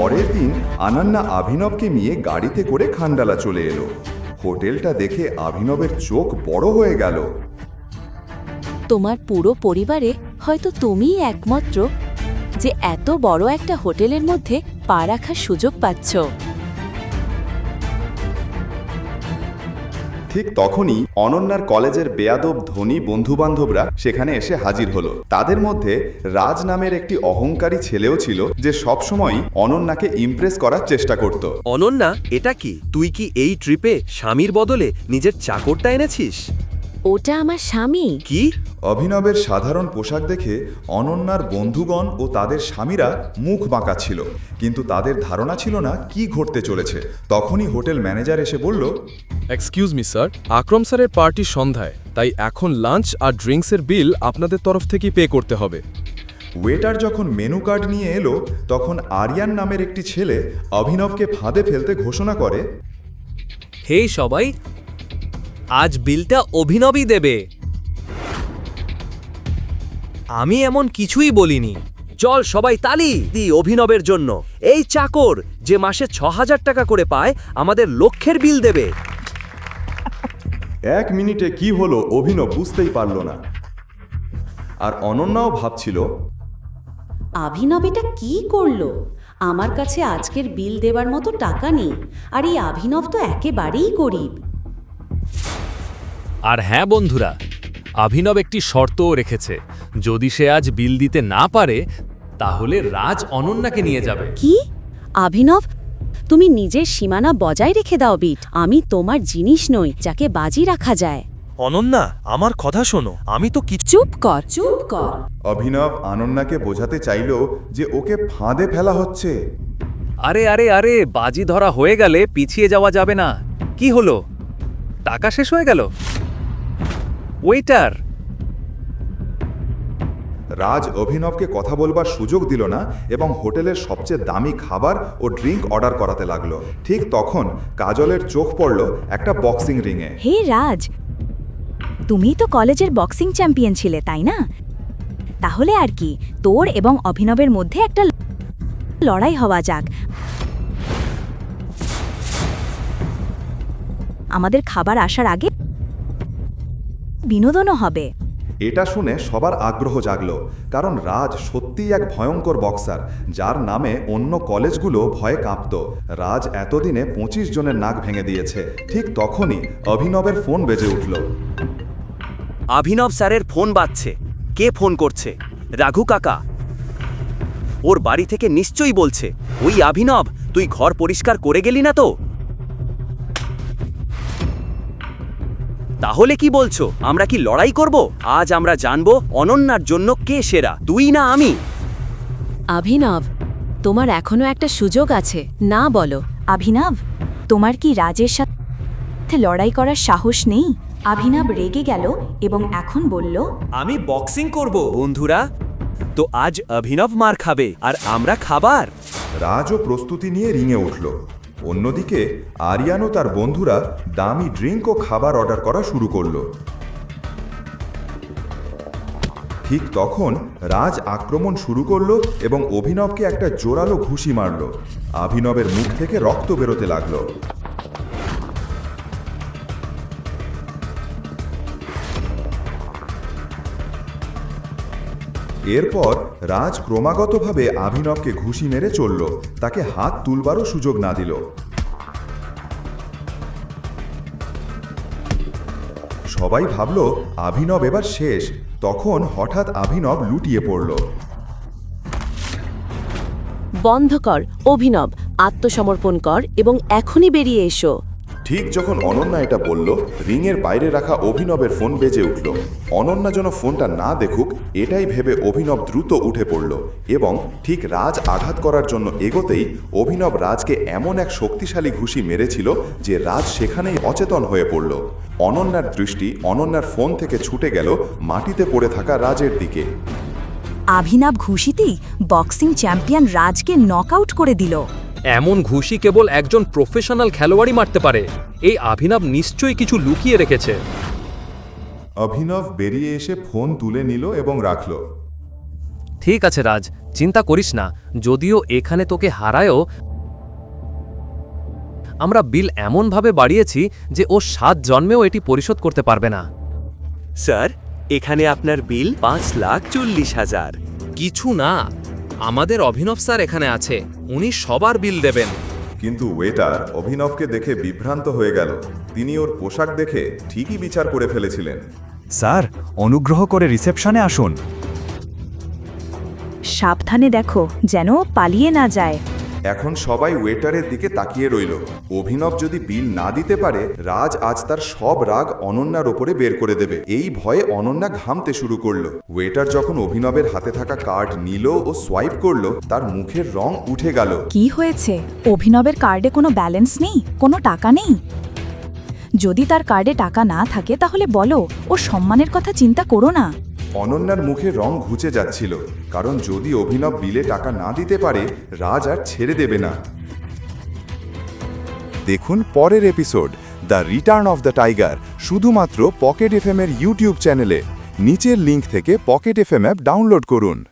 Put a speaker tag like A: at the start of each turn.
A: পরের দিন আনান্না অভিনবকে নিয়ে গাড়িতে করে খান্ডালা চলে এলো। হোটেলটা দেখে অভিনবের চোখ বড় হয়ে গেল।
B: তোমার পুরো পরিবারে হয়তো তুমিই একমাত্র যে এত বড় একটা হোটেলের মধ্যে পা রাখার সুযোগ পাচ্ছ।
A: ঠিক তখনই অনন্যার কলেজের বেয়াদব ধনী বন্ধুবান্ধবরা সেখানে এসে হাজির হলো। তাদের মধ্যে রাজ নামের একটি অহংকারী ছেলেও ছিল, যে সবসময় অনন্যাকে ইমপ্রেস করার চেষ্টা করত।
C: অনন্যা, এটা কি? তুই কি এই ট্রিপে স্বামীর বদলে নিজের চাকরটা এনেছিস?
B: ওটা আমার স্বামী।
C: কি?
A: অভিনবের সাধারণ পোশাক দেখে অনন্যার বন্ধুগণ ও তাদের স্বামীরা মুখ বাঁকা ছিল, কিন্তু তাদের ধারণা ছিল না কি ঘটতে চলেছে। তখনই হোটেল ম্যানেজার এসে বলল,
D: এক্সকিউজ মি স্যার, আকরম স্যারের পার্টি সন্ধ্যায়, তাই এখন লাঞ্চ আর ড্রিঙ্কসের বিল আপনাদের তরফ থেকেই পে করতে হবে।
A: ওয়েটার যখন মেনু কার্ড নিয়ে এলো, তখন আরিয়ান নামের একটি ছেলে অভিনবকে ফাঁদে ফেলতে ঘোষণা করে,
E: হে সবাই, আজ বিলটা অভিনবই দেবে। আমি এমন কিছুই বলিনি।
C: চল সবাই তালি দি অভিনবের জন্য। এই চাকর যে মাসে ৬,০০০ টাকা করে পায়, আমাদের লক্ষের বিল দেবে।
A: 1 মিনিটে কি হলো অভিনব বুঝতেই পারল না। আর অনন্যাও ভাবছিল,
F: অভিনব এটা কি করলো? আমার কাছে আজকের বিল দেবার মতো টাকা নেই, আর এই অভিনব তো একেবারেই গরিব।
E: আর হ্যাঁ বন্ধুরা, অভিনব একটি শর্তও রেখেছে। যদি সে আজ বিল দিতে না পারে, তাহলে রাজ অনন্যাকে নিয়ে যাবে।
F: কি? অভিনব, তুমি নিজের সীমানা বজায় রেখে দাও বিট। আমি তোমার জিনিস নই যাকে বাজি রাখা যায়।
C: অনন্যা, আমার কথা শোনো, আমি তো কিছু।
F: চুপ কর, চুপ কর।
A: অভিনব অনন্যাকে বোঝাতে চাইল যে ওকে ফাঁদে ফেলা হচ্ছে।
E: আরে আরে আরে, বাজি ধরা হয়ে গেলে পিছিয়ে যাওয়া যাবে না। কি হলো? টাকা শেষ হয়ে গেল? ওয়েটার!
A: রাজ অভিনবকে কথা বলবার সুযোগ দিল না এবং হোটেলের সবচেয়ে দামি খাবার ও ড্রিঙ্ক অর্ডার করাতে লাগলো। ঠিক তখন কাজলের চোখ পড়ল একটা বক্সিং রিংয়ে।
B: হে রাজ, তুমি তো কলেজের বক্সিং চ্যাম্পিয়ন ছিলে, তাই না? তাহলে আর কি, তোর এবং অভিনবের মধ্যে একটা লড়াই হওয়া যাক। আমাদের খাবার আসার আগে বিনোদনও হবে।
A: এটা শুনে সবার আগ্রহ জাগলো, কারণ রাজ সত্যিই এক ভয়ঙ্কর বক্সার, যার নামে অন্য কলেজগুলো ভয়ে কাঁপত। রাজ এতদিনে 25 জনের নাক ভেঙে দিয়েছে। ঠিক তখনই অভিনবের ফোন বেজে উঠল।
C: অভিনব স্যারের ফোন বাজছে। কে ফোন করছে? রাঘু কাকা। ওর বাড়ি থেকে নিশ্চয়ই বলছে, ওই অভিনব, তুই ঘর পরিষ্কার করে গেলি না তো? তাহলে কি বলছো, আমরা কি লড়াই করব? আজ আমরা জানবো অনন্যার জন্য কে সেরা, তুই না আমি।
B: অভিনব, তোমার এখনো একটা সুযোগ আছে, না বলো? অভিনব, তোমার কি রাজের সাথে লড়াই করার সাহস নেই?
F: অভিনব রেগে গেল এবং এখন বলল,
E: আমি বক্সিং করব।
C: বন্ধুরা, তো আজ অভিনব মার খাবে আর আমরা খাবার।
A: রাজও প্রস্তুতি নিয়ে রিংয়ে উঠল। অন্যদিকে আরিয়ান ও তার বন্ধুরা দামি ড্রিঙ্ক ও খাবার অর্ডার করা শুরু করল। ঠিক তখন রাজ আক্রমণ শুরু করলো এবং অভিনবকে একটা জোরালো ঘুষি মারল। অভিনবের মুখ থেকে রক্ত বেরোতে লাগলো। এরপর রাজ ক্রমাগতভাবে অভিনবকে ঘুষি মেরে চলল, তাকে হাত তুলবারও সুযোগ না দিল। সবাই ভাবল অভিনব এবার শেষ। তখন হঠাৎ অভিনব লুটিয়ে পড়ল।
B: বন্ধ কর অভিনব, আত্মসমর্পণ কর এবং এখনই বেরিয়ে এসো।
A: ঠিক যখন অনন্যা এটা বলল, রিংয়ের বাইরে রাখা অভিনবের ফোন বেজে উঠল। অনন্যা যেন ফোনটা না দেখুক, এটাই ভেবে অভিনব দ্রুত উঠে পড়ল এবং ঠিক রাজ আঘাত করার জন্য এগোতেই অভিনব রাজকে এমন এক শক্তিশালী ঘুষি মেরেছিল যে রাজ সেখানেই অচেতন হয়ে পড়ল। অনন্যার দৃষ্টি অনন্যার ফোন থেকে ছুটে গেল মাটিতে পড়ে থাকা রাজের দিকে।
B: অভিনব ঘুষিতেই বক্সিং চ্যাম্পিয়ন রাজকে নকআউট করে দিল।
E: এমন ঘুষি কেবল একজন প্রফেশনাল খেলোয়াড়ই মারতে পারে। এই অভিনব নিশ্চয়ই কিছু লুকিয়ে রেখেছে।
A: অভিনব বেরিয়ে এসে ফোন তুলে নিল এবং রাখল।
E: ঠিক আছে রাজ, চিন্তা করিস না। যদিও এখানে তোকে হারায়ও, আমরা বিল এমনভাবে বাড়িয়েছি যে ও 7 জন্মেও এটি পরিশোধ করতে পারবে না।
C: স্যার, এখানে আপনার বিল 5,40,000।
D: কিছু না, আমাদের অভিনব স্যার এখানে আছে, উনি সবার বিল দেবেন।
A: কিন্তু ওয়েটার অভিনবকে দেখে বিভ্রান্ত হয়ে গেল। তিনি ওর পোশাক দেখে ঠিকই বিচার করে ফেলেছিলেন।
G: স্যার, অনুগ্রহ করে রিসেপশনে আসুন।
B: সাবধানে দেখো যেন ও পালিয়ে না যায়।
A: এখন সবাই ওয়েটারের দিকে তাকিয়ে রইল। অভিনব যদি বিল না দিতে পারে, রাজ আজ তার সব রাগ অনন্যার ওপরে বের করে দেবে। এই ভয়ে অনন্যা ঘামতে শুরু করলো। ওয়েটার যখন অভিনবের হাতে থাকা কার্ড নিল ও সোয়াইপ করলো, তার মুখের রং উঠে গেল।
B: কি হয়েছে? অভিনবের কার্ডে কোনো ব্যালেন্স নেই, কোনো টাকা নেই? যদি তার কার্ডে টাকা না থাকে তাহলে বলো, ওর সম্মানের কথা চিন্তা করো না।
A: অনন্যার মুখে রং ঘুচে যাচ্ছিল, কারণ যদি অভিনব বিলে টাকা না দিতে পারে, রাজ আর ছেড়ে দেবে না। দেখুন পরের episode the return of the tiger শুধুমাত্র পকেট এফএম এর ইউটিউব চ্যানেলে। নিচের লিংক থেকে পকেট এফএম অ্যাপ ডাউনলোড করুন।